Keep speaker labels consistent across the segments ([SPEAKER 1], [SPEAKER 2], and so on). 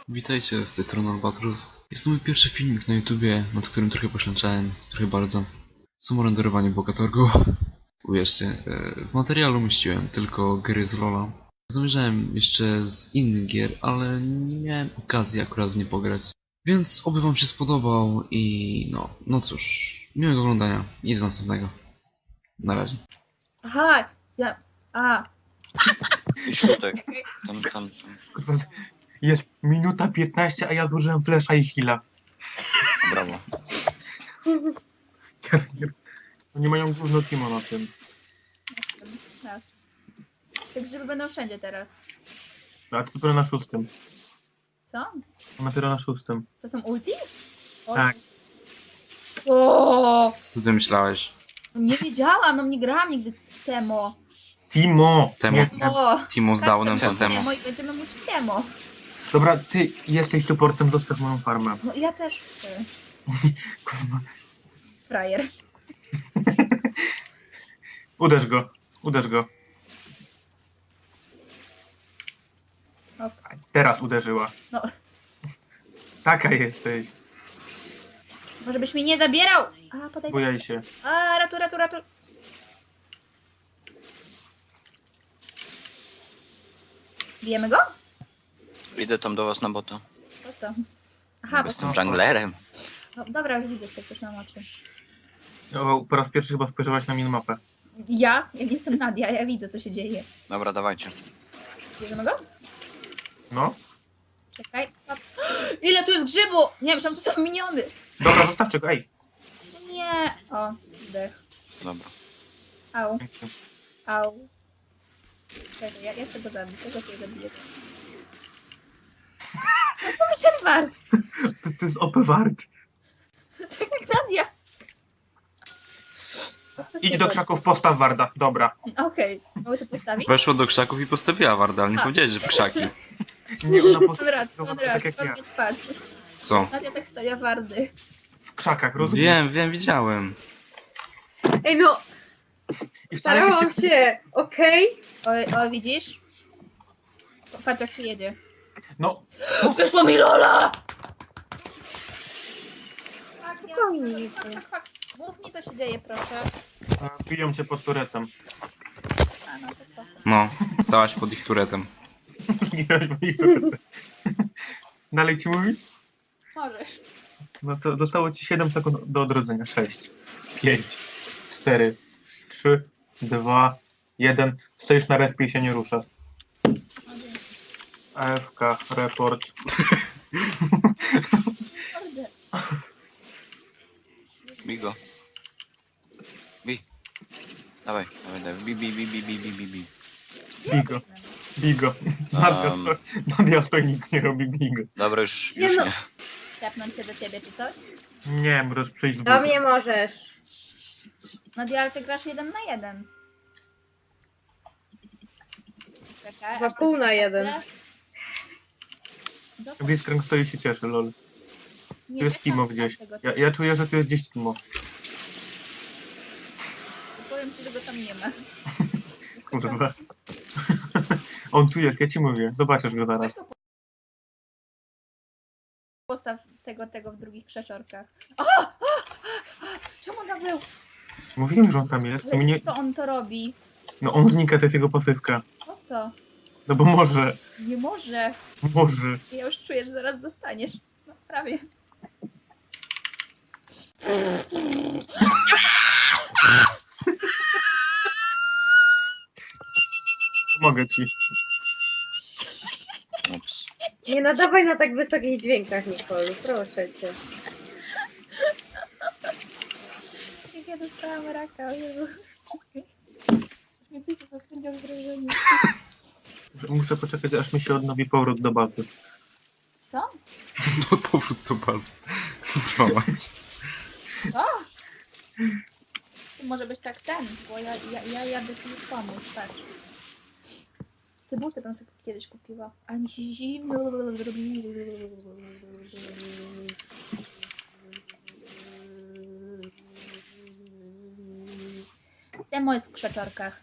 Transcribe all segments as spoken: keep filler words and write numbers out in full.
[SPEAKER 1] Witajcie, z tej strony Albatros. Jest to mój pierwszy filmik na YouTubie, nad którym trochę poświęcałem, trochę bardzo. Samo renderowanie Bogatorgu. Uwierzcie, e, w materiału umieściłem tylko gry z Lola. Zamierzałem jeszcze z innych gier, ale nie miałem okazji akurat w nie pograć. Więc oby wam się spodobał i no, no cóż, miłego oglądania i do następnego. Na razie.
[SPEAKER 2] Aha, ja... A,
[SPEAKER 3] Idź tutaj,
[SPEAKER 2] czekaj.
[SPEAKER 3] tam, tam, tam.
[SPEAKER 4] Kurwa, jest minuta piętnaście, a ja zużyłem flesza i heala.
[SPEAKER 3] Brawo.
[SPEAKER 4] Nie mają gówno Timo na tym.
[SPEAKER 2] Raz. Te grzyby będą wszędzie teraz.
[SPEAKER 4] A to dopiero na szóstym.
[SPEAKER 2] Co?
[SPEAKER 4] To dopiero na szóstym.
[SPEAKER 2] To są ulti? O,
[SPEAKER 4] Tak.
[SPEAKER 2] O,
[SPEAKER 1] Co ty myślałeś?
[SPEAKER 2] no nie wiedziałam, no nie grałam nigdy Temo.
[SPEAKER 4] Timo!
[SPEAKER 1] Temo.
[SPEAKER 4] Nie,
[SPEAKER 2] O,
[SPEAKER 1] Timo z Downem
[SPEAKER 2] Kacper,
[SPEAKER 1] po temu.
[SPEAKER 2] Temo i będziemy mówić Temo.
[SPEAKER 4] dobra, ty jesteś supportem, zostaw moją farmę.
[SPEAKER 2] No ja też chcę.
[SPEAKER 4] Kurwa.
[SPEAKER 2] Frajer.
[SPEAKER 4] Uderz go, uderz go.
[SPEAKER 2] O,
[SPEAKER 4] Teraz uderzyła.
[SPEAKER 2] no,
[SPEAKER 4] Taka jesteś.
[SPEAKER 2] może byś mnie nie zabierał. A, podaj.
[SPEAKER 4] Bujaj się.
[SPEAKER 2] A, ratu, ratu, ratu. Bijemy go?
[SPEAKER 3] Idę tam do was na bota.
[SPEAKER 2] Po co? Aha, bo
[SPEAKER 3] Jestem junglerem.
[SPEAKER 2] no, dobra, już widzę przecież na oczy.
[SPEAKER 4] O, po raz pierwszy chyba spojrzałaś na minimapę.
[SPEAKER 2] Ja? Ja nie jestem Nadia, ja widzę co się dzieje.
[SPEAKER 3] Dobra, dawajcie.
[SPEAKER 2] Bierzemy go?
[SPEAKER 4] No.
[SPEAKER 2] Czekaj. Patrz. Ile tu jest grzybu! Nie, myślałam, to są miniony.
[SPEAKER 4] Dobra, zostawcie go, ej.
[SPEAKER 2] No nie. O, zdech.
[SPEAKER 3] Dobra.
[SPEAKER 2] Au, au. Czekaj, ja, ja chcę go zabić. Tego tutaj zabiję. No co mi ten wart?
[SPEAKER 4] To, to jest O P wart.
[SPEAKER 2] Tak jak Nadia.
[SPEAKER 4] Idź do krzaków, postaw warda. Dobra.
[SPEAKER 2] Okej, mogę to postawić?
[SPEAKER 1] Weszła do krzaków i postawiła Warda, ale nie
[SPEAKER 2] A.
[SPEAKER 1] powiedziałeś, że w krzaki.
[SPEAKER 4] Nie, ona
[SPEAKER 2] Konrad,
[SPEAKER 4] postawiła
[SPEAKER 2] Konrad,
[SPEAKER 4] tak jak ja.
[SPEAKER 2] Konrad, patrz.
[SPEAKER 1] Co?
[SPEAKER 2] Nadia tak stawia wardy.
[SPEAKER 4] W krzakach, rozumiesz?
[SPEAKER 1] Wiem, wiem, widziałem.
[SPEAKER 5] Ej no,
[SPEAKER 4] I wcale się
[SPEAKER 5] starałam się, okej?
[SPEAKER 2] O, o, widzisz? Patrz jak się jedzie.
[SPEAKER 4] No,
[SPEAKER 2] Wyszło mi Lola!
[SPEAKER 5] Spokojnie.
[SPEAKER 2] Fak, fak, fak. Mów mi co się dzieje, proszę.
[SPEAKER 4] e, biją cię pod turetem.
[SPEAKER 2] A, no to spoko.
[SPEAKER 1] No, stałaś pod ich turetem.
[SPEAKER 4] Ginąłeś pod ich turetem. Dalej ci mówić?
[SPEAKER 2] Możesz.
[SPEAKER 4] No to zostało ci siedem sekund do odrodzenia. sześć, pięć, cztery, trzy, dwa, jeden. Stoisz na respie i się nie ruszasz.
[SPEAKER 2] No, dzięki.
[SPEAKER 4] A F K, report.
[SPEAKER 2] Kurde.
[SPEAKER 3] Bij go. Bij. Dawaj, dawaj, dawaj. Bij, bij, bij, bij, bij, bij, bij, bij.
[SPEAKER 4] Bigo, bigo. Nadia,
[SPEAKER 3] Um.
[SPEAKER 4] stoi, Nadia stoi, nic nie robi, bigo.
[SPEAKER 3] Dobra, już,
[SPEAKER 5] Nie
[SPEAKER 3] już
[SPEAKER 5] no.
[SPEAKER 3] nie.
[SPEAKER 2] Tepnąć się do ciebie czy coś?
[SPEAKER 4] Nie, możesz przyjść z
[SPEAKER 5] Do
[SPEAKER 4] buta.
[SPEAKER 5] mnie możesz.
[SPEAKER 2] Nadia, ale ty grasz jeden na jeden. Czekaj,
[SPEAKER 5] Chyba
[SPEAKER 2] aż
[SPEAKER 5] pół
[SPEAKER 2] sobie
[SPEAKER 5] na jeden.
[SPEAKER 2] sprawdzę. Dobra.
[SPEAKER 4] Blitzcrank stoi i się cieszy, lol.
[SPEAKER 2] Nie,
[SPEAKER 4] Tu jest
[SPEAKER 2] weź
[SPEAKER 4] Timo
[SPEAKER 2] tam
[SPEAKER 4] gdzieś.
[SPEAKER 2] wstaw tego
[SPEAKER 4] Ja,
[SPEAKER 2] typu.
[SPEAKER 4] ja czuję, że tu jest gdzieś Timo.
[SPEAKER 2] Powiem ci, że go tam nie ma.
[SPEAKER 4] Kurwa. On tu jest, ja ci mówię. Zobaczysz go
[SPEAKER 2] Weź
[SPEAKER 4] zaraz.
[SPEAKER 2] to po- Postaw tego, tego w drugich krzaczorkach. O! O! O! Czemu on tam był?
[SPEAKER 4] Mówiłem, że on tam jest.
[SPEAKER 2] Ale
[SPEAKER 4] Mnie...
[SPEAKER 2] jak to on to robi?
[SPEAKER 4] No on znika, to jest jego pasywka.
[SPEAKER 2] Po co?
[SPEAKER 4] No bo może,
[SPEAKER 2] Nie może.
[SPEAKER 4] może.
[SPEAKER 2] Ja już czuję, że zaraz dostaniesz. No prawie.
[SPEAKER 4] Pomogę ci.
[SPEAKER 3] Ups.
[SPEAKER 5] Nie nadawaj na tak wysokich dźwiękach, Nicole, proszę cię.
[SPEAKER 2] Jak ja dostałam raka, o Jezu. Czekaj. Więcej to spędza zgrożenie.
[SPEAKER 4] Muszę poczekać, aż mi się odnowi powrót do bazy.
[SPEAKER 2] Co?
[SPEAKER 1] No powrót do bazy. Prowadź.
[SPEAKER 2] Co? To może być tak ten, bo ja, ja, ja jadę ci już pomóc, patrz. Te buty bym sobie kiedyś kupiła, ale mi się zimno zrobi. Demo jest w krzaczorkach.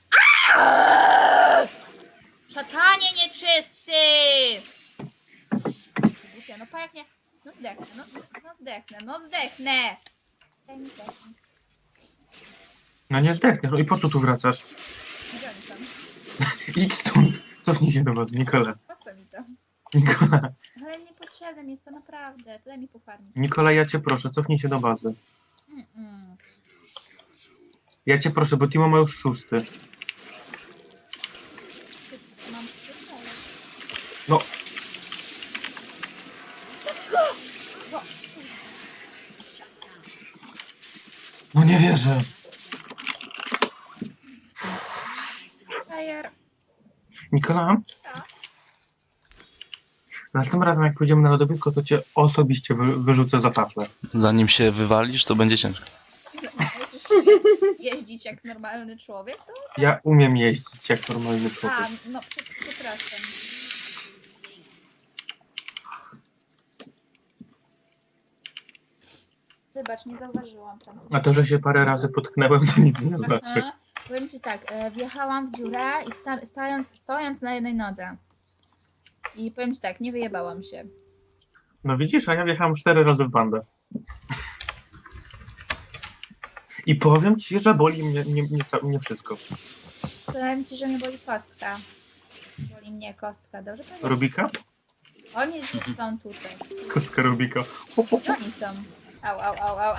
[SPEAKER 2] Szatanie nieczysty! pan jak nie... No zdechnę, no, no zdechnę, no zdechnę! Daj mi zdechnąć.
[SPEAKER 4] No nie zdechniesz. No i po co tu wracasz?
[SPEAKER 2] Gdzie oni są?
[SPEAKER 4] Idź stąd. Cofnij się do was, Nikola.
[SPEAKER 2] Po co mi to?
[SPEAKER 4] Nikola.
[SPEAKER 2] Ale niepotrzebne mi jest to naprawdę. To daj mi pofarmić.
[SPEAKER 4] Nikola, ja cię proszę, cofnij się do bazy.
[SPEAKER 2] Mm-mm.
[SPEAKER 4] Ja cię proszę, bo Timo ma już szósty.
[SPEAKER 2] Ty- Mam pierdolę.
[SPEAKER 4] No.
[SPEAKER 2] Bo...
[SPEAKER 4] No nie wierzę.
[SPEAKER 2] Sajer.
[SPEAKER 4] Nikola,
[SPEAKER 2] Co?
[SPEAKER 4] następnym razem jak pójdziemy na lodowisko, to cię osobiście wy, wyrzucę za taflę.
[SPEAKER 1] Zanim się wywalisz, to będzie ciężko.
[SPEAKER 2] Nauczysz się je- jeździć jak normalny człowiek, to...
[SPEAKER 4] Ja umiem jeździć jak normalny człowiek.
[SPEAKER 2] A, no prze- przepraszam. Wybacz, nie zauważyłam tam.
[SPEAKER 4] A to, że się parę razy potknęłem, to nic nie znaczy.
[SPEAKER 2] Aha. Powiem ci tak, e, wjechałam w dziurę i sta- stając, stojąc na jednej nodze. I powiem ci tak, nie wyjebałam się.
[SPEAKER 4] No widzisz, a ja wjechałem cztery razy w bandę. I powiem ci, że boli mnie, mnie, mnie, ca- mnie wszystko.
[SPEAKER 2] Powiem ci, że mnie boli kostka. Boli mnie kostka, dobrze powiem?
[SPEAKER 4] Rubika?
[SPEAKER 2] Oni gdzieś są tutaj.
[SPEAKER 4] Kostka Rubika. Ho, ho,
[SPEAKER 2] Gdzie
[SPEAKER 4] ho.
[SPEAKER 2] oni są? Au, au, au, au. A!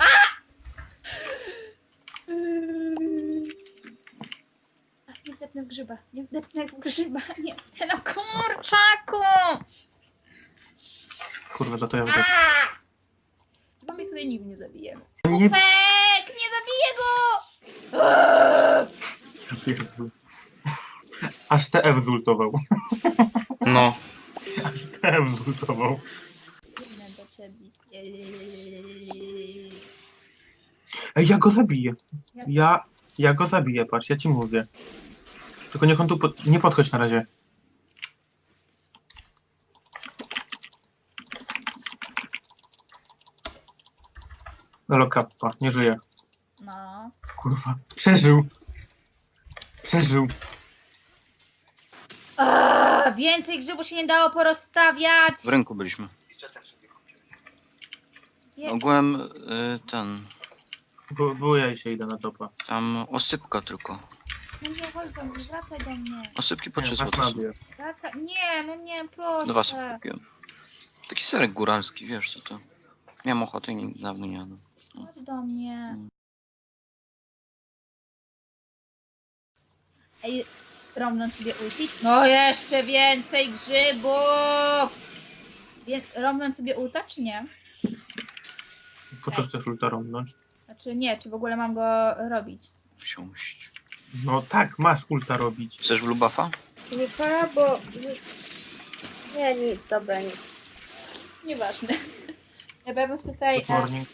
[SPEAKER 2] A, nie wdepnę w grzyba, nie wdepnę w grzyba, nie wdepnę na kurczaku!
[SPEAKER 4] Kurwa, za to ja
[SPEAKER 2] A!
[SPEAKER 4] wdech.
[SPEAKER 2] Chyba mnie tutaj nigdy nie zabije.
[SPEAKER 4] Nie
[SPEAKER 2] Pek! Nie zabiję go!
[SPEAKER 4] pierdolę. Aż T F zultował.
[SPEAKER 1] No.
[SPEAKER 4] Aż T F zultował.
[SPEAKER 2] Biegnę do ciebie.
[SPEAKER 4] Ej, ja go zabiję.
[SPEAKER 2] Jak-
[SPEAKER 4] Ja, ja go zabiję, patrz, ja ci mówię. Tylko niech on tu pod... nie podchodź na razie. Lolo kappa, nie żyje.
[SPEAKER 2] No.
[SPEAKER 4] Kurwa, przeżył. Przeżył.
[SPEAKER 2] A, więcej grzybu się nie dało porozstawiać!
[SPEAKER 3] W rynku byliśmy.
[SPEAKER 2] Je-
[SPEAKER 3] Ogółem y, ten...
[SPEAKER 4] Bo, bo ja się idę na topa.
[SPEAKER 3] Tam osypka tylko.
[SPEAKER 2] No nie, chodź do mnie, wracaj do mnie.
[SPEAKER 3] Osypki po
[SPEAKER 4] Nie,
[SPEAKER 3] trzy
[SPEAKER 4] masz
[SPEAKER 3] złote.
[SPEAKER 4] nabie.
[SPEAKER 2] Wracaj. Nie, no nie, proszę.
[SPEAKER 3] Dwa sobie kupiłem. Taki serek góralski, wiesz co to. Miałem ochotę i nie- dawno nie jadłem.
[SPEAKER 2] Chodź do mnie. Ej, Romnon sobie ultić? No jeszcze więcej grzybów! Wie, Romnon sobie ulta, czy nie?
[SPEAKER 4] Po co chcesz ulta romnąć?
[SPEAKER 2] Znaczy nie, czy w ogóle mam go robić?
[SPEAKER 3] Siąść.
[SPEAKER 4] No tak, masz ulta robić.
[SPEAKER 3] Chcesz blue buffa?
[SPEAKER 5] Nikola, bo... Nie, nic, dobra, nic.
[SPEAKER 2] Nieważne. Ja bym sobie tutaj...
[SPEAKER 4] Good morning.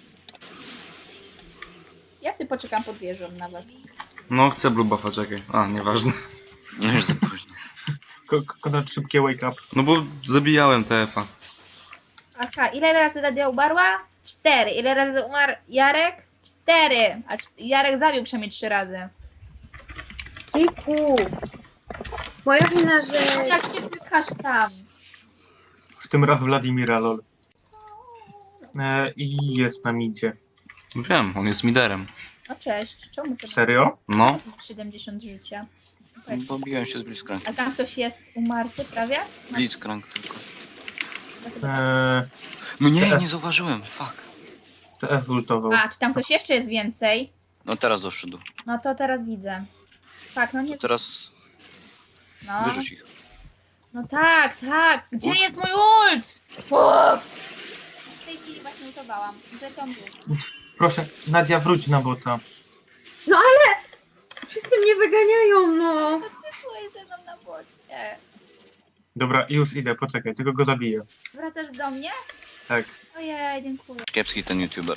[SPEAKER 2] Ja sobie poczekam pod wieżą na was.
[SPEAKER 1] No, chcę blue buffa, czekaj. A, nieważne.
[SPEAKER 3] No już za późno.
[SPEAKER 4] Ko- Konrad, szybkie wake up.
[SPEAKER 1] No bo zabijałem T F a.
[SPEAKER 2] Aha, ile razy Nadia umarła? Cztery. Ile razy umarł Jarek? Cztery. A cz- Jarek zabił przynajmniej trzy razy.
[SPEAKER 5] Kiku! Moja wina,
[SPEAKER 2] A
[SPEAKER 5] że...
[SPEAKER 2] jak się wpychasz tam?
[SPEAKER 4] W tym raz Wladimira, lol. E, I jest na midzie.
[SPEAKER 1] Wiem, on jest miderem.
[SPEAKER 2] No cześć, czemu to
[SPEAKER 4] Serio?
[SPEAKER 1] No.
[SPEAKER 2] siedemdziesiąt życia? Powiedz,
[SPEAKER 3] Bo biłem się z Blitzcrank.
[SPEAKER 2] a tam ktoś jest umarty prawie?
[SPEAKER 3] Blitzcrank tylko.
[SPEAKER 2] Ja sobie tak-
[SPEAKER 4] E,
[SPEAKER 3] No nie, nie zauważyłem, fuck.
[SPEAKER 4] T F zultował.
[SPEAKER 2] A, czy tam ktoś jeszcze jest więcej?
[SPEAKER 3] No teraz doszedł.
[SPEAKER 2] No to teraz widzę. Tak, no nie...
[SPEAKER 3] To teraz
[SPEAKER 2] No,
[SPEAKER 3] wyrzuć ich.
[SPEAKER 2] no tak, tak. Gdzie
[SPEAKER 3] Ult.
[SPEAKER 2] jest mój ult? Fuck! W tej chwili właśnie ultowałam. Zleciał mi ult.
[SPEAKER 4] Proszę, Nadia, wróć na bota.
[SPEAKER 5] No ale... Wszyscy mnie wyganiają, no!
[SPEAKER 2] To ty byłeś ze mną na bocie.
[SPEAKER 4] Dobra, już idę, poczekaj, tylko go zabiję.
[SPEAKER 2] Wracasz do mnie?
[SPEAKER 4] Tak.
[SPEAKER 2] Ojej, dziękuję.
[SPEAKER 3] Kiepski ten youtuber.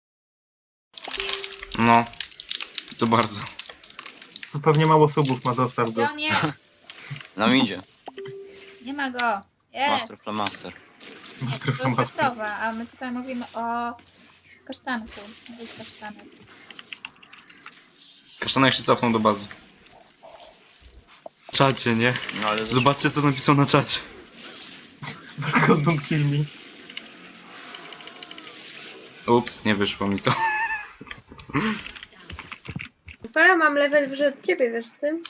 [SPEAKER 1] No. To bardzo.
[SPEAKER 4] Tu pewnie mało subów ma, zostaw
[SPEAKER 2] Gdzie
[SPEAKER 4] go.
[SPEAKER 2] on jest?
[SPEAKER 3] Nam idzie.
[SPEAKER 2] Nie ma go.
[SPEAKER 3] Master
[SPEAKER 2] Jest.
[SPEAKER 3] Flamaster.
[SPEAKER 2] Nie,
[SPEAKER 4] Master
[SPEAKER 2] to jest
[SPEAKER 4] Master.
[SPEAKER 2] Petrowa, a my tutaj mówimy o kasztanku. To jest kasztanek.
[SPEAKER 1] Kasztanek się cofnął do bazy. Czacie, nie?
[SPEAKER 3] No ale
[SPEAKER 1] Zobaczcie, co napisał na czacie.
[SPEAKER 4] God don't kill me.
[SPEAKER 1] Ups, nie wyszło mi to.
[SPEAKER 5] Super, mam level wyżej od ciebie, wiesz z tym?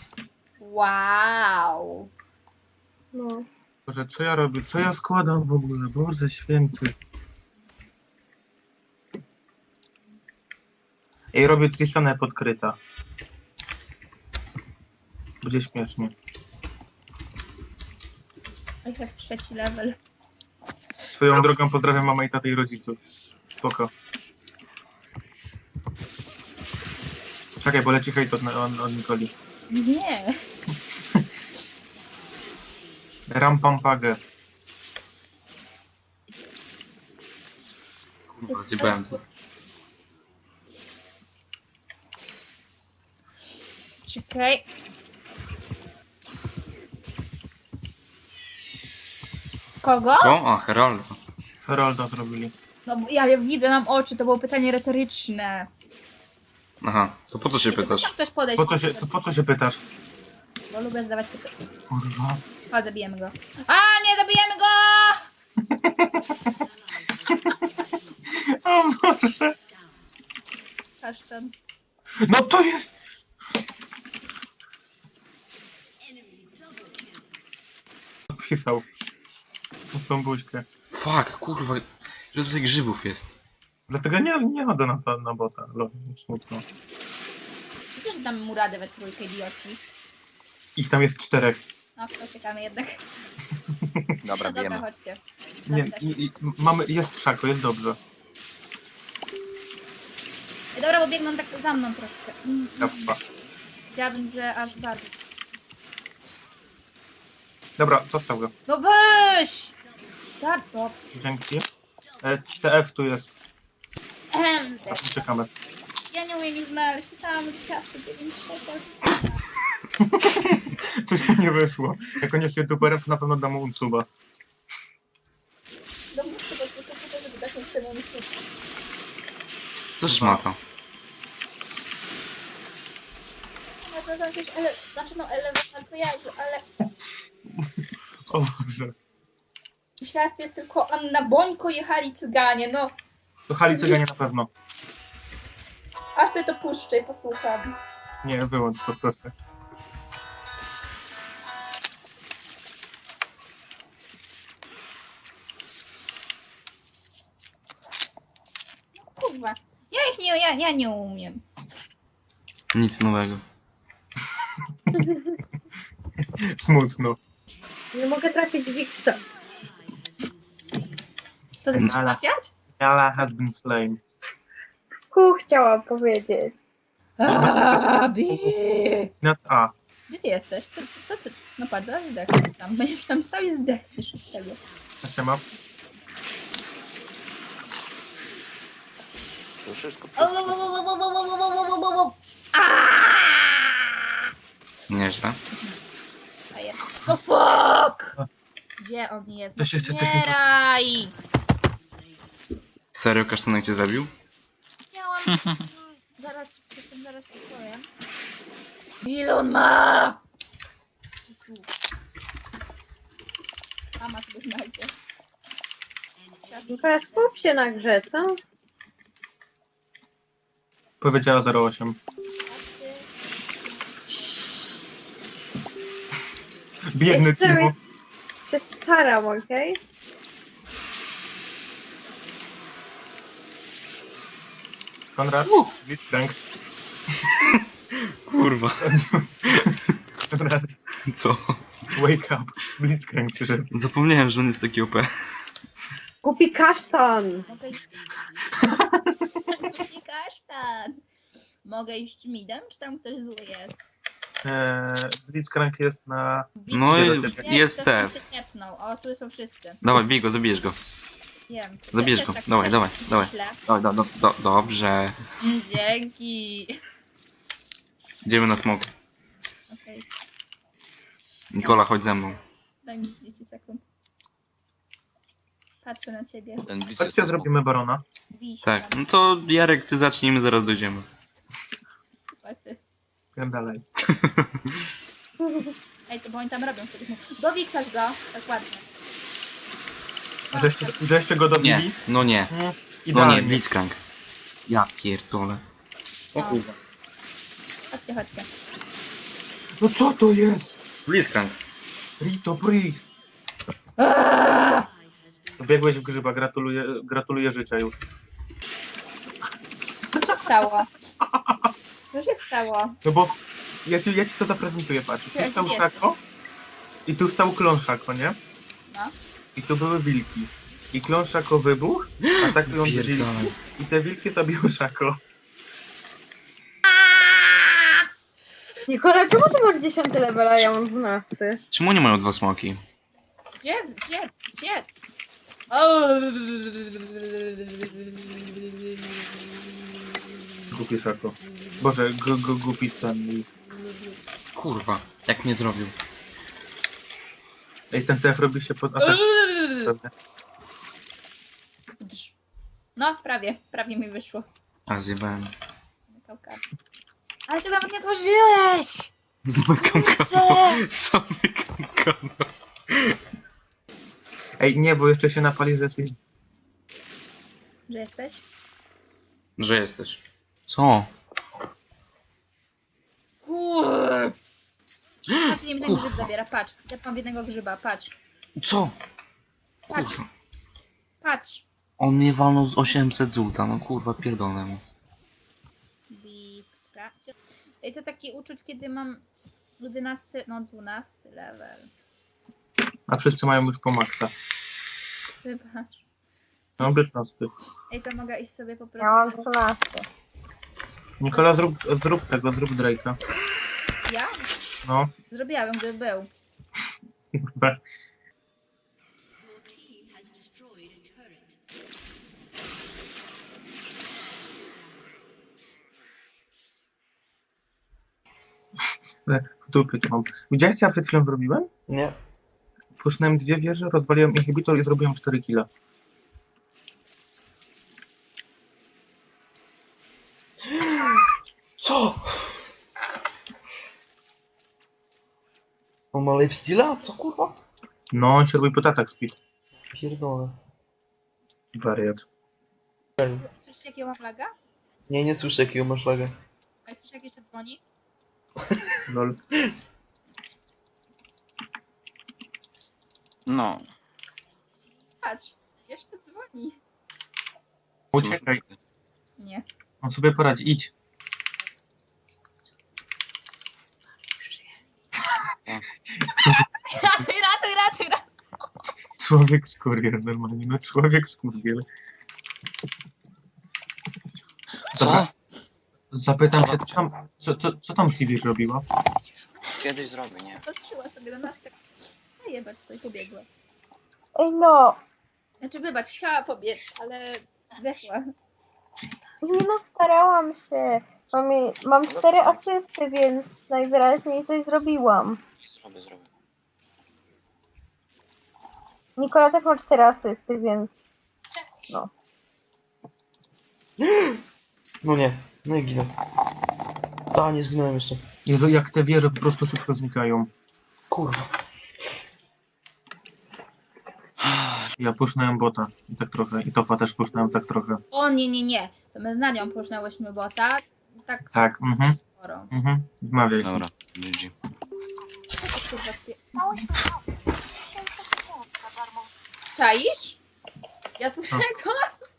[SPEAKER 2] Wow.
[SPEAKER 5] No.
[SPEAKER 4] Boże, co ja robię? Co ja składam w ogóle? Boże święty. Ej, robię Tristanę podkryta. Będzie śmiesznie.
[SPEAKER 2] I have trzeci level.
[SPEAKER 4] Swoją drogą pozdrawiam mamę i tatę i rodziców. Spoko. Czekaj, bo leci hejt od, od, od Nikoli.
[SPEAKER 2] Nie.
[SPEAKER 4] Rampampagę.
[SPEAKER 1] Kurwa, zjebałem to.
[SPEAKER 2] Czekaj. Kogo?
[SPEAKER 1] Co? A, Heralda.
[SPEAKER 4] Herolda zrobili.
[SPEAKER 2] No bo ja widzę, mam oczy, to było pytanie retoryczne.
[SPEAKER 1] Aha, to po co się
[SPEAKER 2] Ej, to
[SPEAKER 1] pytasz?
[SPEAKER 2] musiał ktoś podejść.
[SPEAKER 4] Po co się, to po co się pytasz?
[SPEAKER 2] Bo lubię zadawać pytania.
[SPEAKER 4] Kurwa.
[SPEAKER 2] Chodź, zabijemy go. A, nie, zabijemy go!
[SPEAKER 4] O Boże.
[SPEAKER 2] Kasztan.
[SPEAKER 4] No to jest... Pisał. W tą buźkę.
[SPEAKER 1] Fuck, kurwa. Ile tutaj grzybów jest?
[SPEAKER 4] Dlatego nie, nie chodzę na, to, na bota. Lo, smutno.
[SPEAKER 2] Przecież damy mu radę we trójkę, idioci.
[SPEAKER 4] Ich tam jest czterech.
[SPEAKER 2] No, to czekamy jednak.
[SPEAKER 3] Dobra,
[SPEAKER 2] No dobra,
[SPEAKER 3] bijemy.
[SPEAKER 2] chodźcie.
[SPEAKER 4] Nie,
[SPEAKER 2] Tam też.
[SPEAKER 4] i, i, mamy, jest krzako, jest dobrze.
[SPEAKER 2] Ej, dobra, bo biegną tak za mną troszkę. Mm,
[SPEAKER 4] Kappa.
[SPEAKER 2] Chciałabym, że aż bardzo.
[SPEAKER 4] Dobra, zostaw go.
[SPEAKER 2] No weź! Za dobrze.
[SPEAKER 4] Dzięki. E, T F tu jest.
[SPEAKER 2] Ehem,
[SPEAKER 4] A tu czekamy.
[SPEAKER 2] ja nie umiem ich znaleźć. Pisałam dwadzieścia dziewięć sześć, ale...
[SPEAKER 4] Coś mi nie wyszło. Jak on jest youtuberem, to na pewno dam mu unsuba.
[SPEAKER 2] No muszę go tylko po to, żeby dać mu ten unsub.
[SPEAKER 1] Co szmata?
[SPEAKER 2] No to są jakieś ele... Znaczy no elemental kojarzy, ale...
[SPEAKER 4] O Boże.
[SPEAKER 2] Myślałam, że jest tylko Anna Bońko jechali cyganie, no.
[SPEAKER 4] To Hali Cyganie na pewno.
[SPEAKER 2] Aż sobie to puszczę i posłucham.
[SPEAKER 4] Nie, wyłącz to proszę.
[SPEAKER 2] Kurwa. Ja ich nie, ja, ja nie umiem.
[SPEAKER 1] Nic nowego.
[SPEAKER 4] Smutno.
[SPEAKER 5] Nie mogę trafić w Wixa.
[SPEAKER 2] Co ty chcesz
[SPEAKER 4] Ale-
[SPEAKER 2] trafiać?
[SPEAKER 4] Nala has been slain.
[SPEAKER 5] Ku chciałam powiedzieć.
[SPEAKER 2] Abi!
[SPEAKER 4] Not A.
[SPEAKER 2] Gdzie ty jesteś? Co, co, co ty? No patrz, zaraz zdech tam. Będziesz tam stał i zdechniesz od tego.
[SPEAKER 4] A się ma?
[SPEAKER 3] To wszystko.
[SPEAKER 1] Nieźle.
[SPEAKER 2] Fajer. No fuck! Gdzie on jest?
[SPEAKER 4] To się chce-
[SPEAKER 2] Umieraj!
[SPEAKER 1] Serio, kasztanek cię zabił?
[SPEAKER 2] Miałam... Zaraz, zresztą zaraz ci powiem. Ile on ma? Jezu. Mama sobie znajdzie.
[SPEAKER 5] No teraz skup się na grze, co?
[SPEAKER 4] Powiedziała zero osiem. Biedny
[SPEAKER 5] Jeszcze
[SPEAKER 4] Timo.
[SPEAKER 5] mi- Się staram, okej?
[SPEAKER 4] Konrad? Blitzcrank.
[SPEAKER 1] Kurwa.
[SPEAKER 4] Konrad,
[SPEAKER 1] Co?
[SPEAKER 4] wake up. Blitzcrank przyszedł.
[SPEAKER 1] Zapomniałem, że on jest taki O P.
[SPEAKER 5] Kupi kasztan!
[SPEAKER 2] Mogę iść... Nie kasztan! Mogę iść midem, czy tam ktoś zły jest?
[SPEAKER 4] Eee, Blitzcrank jest na...
[SPEAKER 1] No i
[SPEAKER 2] Gdzie?
[SPEAKER 1] jest
[SPEAKER 2] Ktoś tam
[SPEAKER 1] te.
[SPEAKER 2] się tepnął. O, tu są wszyscy.
[SPEAKER 1] Dawaj, bij go, zabijesz go.
[SPEAKER 2] Wiem.
[SPEAKER 1] Zabierz
[SPEAKER 2] Też
[SPEAKER 1] go.
[SPEAKER 2] tak-
[SPEAKER 1] Dawaj,
[SPEAKER 2] też
[SPEAKER 1] dawaj,
[SPEAKER 2] tak
[SPEAKER 1] dawaj.
[SPEAKER 2] myślę.
[SPEAKER 1] Do, do, do, do, dobrze.
[SPEAKER 2] Mm, Dzięki.
[SPEAKER 1] Idziemy na smok.
[SPEAKER 2] Okej,
[SPEAKER 1] Nikola, chodź ze mną.
[SPEAKER 2] daj mi trzydzieści sekund. Patrzę na ciebie.
[SPEAKER 3] Ten blitz jest
[SPEAKER 4] Chodźcie,
[SPEAKER 3] na
[SPEAKER 4] zrobimy Barona.
[SPEAKER 2] Bij się
[SPEAKER 1] Tak,
[SPEAKER 2] tam.
[SPEAKER 1] no to Jarek, ty zacznij, my zaraz dojdziemy.
[SPEAKER 2] Chłopacy.
[SPEAKER 4] Wiem dalej.
[SPEAKER 2] Ej, to bo oni tam robią wtedy. Dowiktasz go. Tak ładnie.
[SPEAKER 4] A żeście, żeście go
[SPEAKER 1] Nie,
[SPEAKER 4] dobili?
[SPEAKER 1] no nie.
[SPEAKER 4] Nie.
[SPEAKER 1] nie,
[SPEAKER 4] Idealnie.
[SPEAKER 1] Blitzcrank. Ja pierdolę. O
[SPEAKER 2] No.
[SPEAKER 1] kurwa.
[SPEAKER 2] Chodźcie, chodźcie.
[SPEAKER 4] No co to jest?
[SPEAKER 1] Blitzcrank.
[SPEAKER 4] Rito Priest. Biegłeś w grzyba, gratuluję, gratuluję życia już.
[SPEAKER 2] Co się stało? Co się stało?
[SPEAKER 4] No bo ja ci, ja ci to zaprezentuję, patrz.
[SPEAKER 2] Gdzie-
[SPEAKER 4] Tu stał
[SPEAKER 2] gdzie
[SPEAKER 4] Szako i tu stał klon Szako, nie?
[SPEAKER 2] No.
[SPEAKER 4] I tu były wilki. I klon Szako wybuchł, atakując wilki.
[SPEAKER 1] Pierdolę.
[SPEAKER 4] I te wilki zabiły Szako.
[SPEAKER 5] Nikola, czemu ty masz dziesiąty level, a ja mam dwunasty?
[SPEAKER 1] Czemu nie mają dwa smoki?
[SPEAKER 2] Gdzie? Gdzie? Gdzie? O!
[SPEAKER 4] Głupi Szako. Boże, gu- gu- głupi ten.
[SPEAKER 1] Kurwa. Jak mnie zrobił?
[SPEAKER 4] Ej, ten T F robi się pod atak. prawda?
[SPEAKER 2] No, prawie. Prawie mi wyszło.
[SPEAKER 1] A, zjebałem.
[SPEAKER 2] Zamykałka. Ale ty nawet nie otworzyłeś!
[SPEAKER 1] Zamykam
[SPEAKER 2] Kurczę!
[SPEAKER 1] kanał. Zamykam kanał.
[SPEAKER 4] Ej, nie, bo jeszcze się napali, że jesteś...
[SPEAKER 2] Że jesteś?
[SPEAKER 1] Że jesteś. Co?
[SPEAKER 2] Patrz, nie jeden grzyb zabiera, patrz. Ja mam jednego grzyba, patrz.
[SPEAKER 1] Co?
[SPEAKER 2] Patrz.
[SPEAKER 1] Kurwa.
[SPEAKER 2] Patrz.
[SPEAKER 1] On mnie walnął z osiemset złota, no kurwa, pierdolę mu.
[SPEAKER 2] Bitka. I to taki uczuć, kiedy mam jedenasty, no dwunasty level.
[SPEAKER 4] A wszyscy mają już po maksa.
[SPEAKER 2] Wybacz.
[SPEAKER 4] Mam piętnasty.
[SPEAKER 2] Ej, to mogę iść sobie po
[SPEAKER 5] Ja
[SPEAKER 2] prostu.
[SPEAKER 5] mam trzynasty.
[SPEAKER 4] Nikola, zrób, zrób tego, zrób Drake'a.
[SPEAKER 2] Ja?
[SPEAKER 4] No,
[SPEAKER 2] Zrobiłabym, gdyby był.
[SPEAKER 4] kurwa. W dupie to mam. Widziałeś, co ja przed chwilą zrobiłem?
[SPEAKER 1] Nie.
[SPEAKER 4] Pusznąłem dwie wieże, rozwaliłem inhibitor i zrobiłem cztery killa.
[SPEAKER 1] Co? On ma lifesteala? Co kurwa?
[SPEAKER 4] No, on się robi pod atak speed.
[SPEAKER 1] Pierdolę.
[SPEAKER 4] Wariat.
[SPEAKER 2] Słyszycie, jakiego mam laga?
[SPEAKER 1] Nie, nie słyszę jakiego masz laga.
[SPEAKER 2] A słyszycie, jak jeszcze dzwoni?
[SPEAKER 4] Lol.
[SPEAKER 3] No.
[SPEAKER 2] Patrz, jeszcze dzwoni.
[SPEAKER 4] Uciekaj,
[SPEAKER 2] Nie.
[SPEAKER 4] on sobie poradzi, idź.
[SPEAKER 2] Ratuj, ratuj, ratuj, ratuj.
[SPEAKER 4] Człowiek skurwiel, normalnie, no człowiek skurwiel. Dobra, zapytam się, co tam, co, co, co tam Sivir robiła?
[SPEAKER 3] Kiedyś zrobię, nie?
[SPEAKER 2] Patrzyła sobie na nas tak. Najebać to i pobiegła.
[SPEAKER 5] Ej no,
[SPEAKER 2] Znaczy, wybacz, chciała pobiec, ale zdechła.
[SPEAKER 5] nie no, starałam się. Mam, je- mam cztery asysty, więc najwyraźniej coś zrobiłam.
[SPEAKER 3] Zrobię, zrobię.
[SPEAKER 5] Nikola też ma cztery asysty, więc... No.
[SPEAKER 1] No nie, no i ginę. Ta, nie zginąłem jeszcze.
[SPEAKER 4] Jezu, jak te wieże po prostu szybko znikają.
[SPEAKER 1] Kurwa.
[SPEAKER 4] Ja pusznąłem bota i tak trochę, i topa też pusznąłem tak trochę.
[SPEAKER 2] O nie, nie, nie. To my z Nadią poznałyśmy bota. Tak,
[SPEAKER 4] Tak,
[SPEAKER 2] dosyć
[SPEAKER 4] mhm.
[SPEAKER 2] sporo.
[SPEAKER 4] Mhm, zmawiaj.
[SPEAKER 3] Dobra, G G.
[SPEAKER 2] Kurwa, wpie- Czaisz? Ja słyszę głos.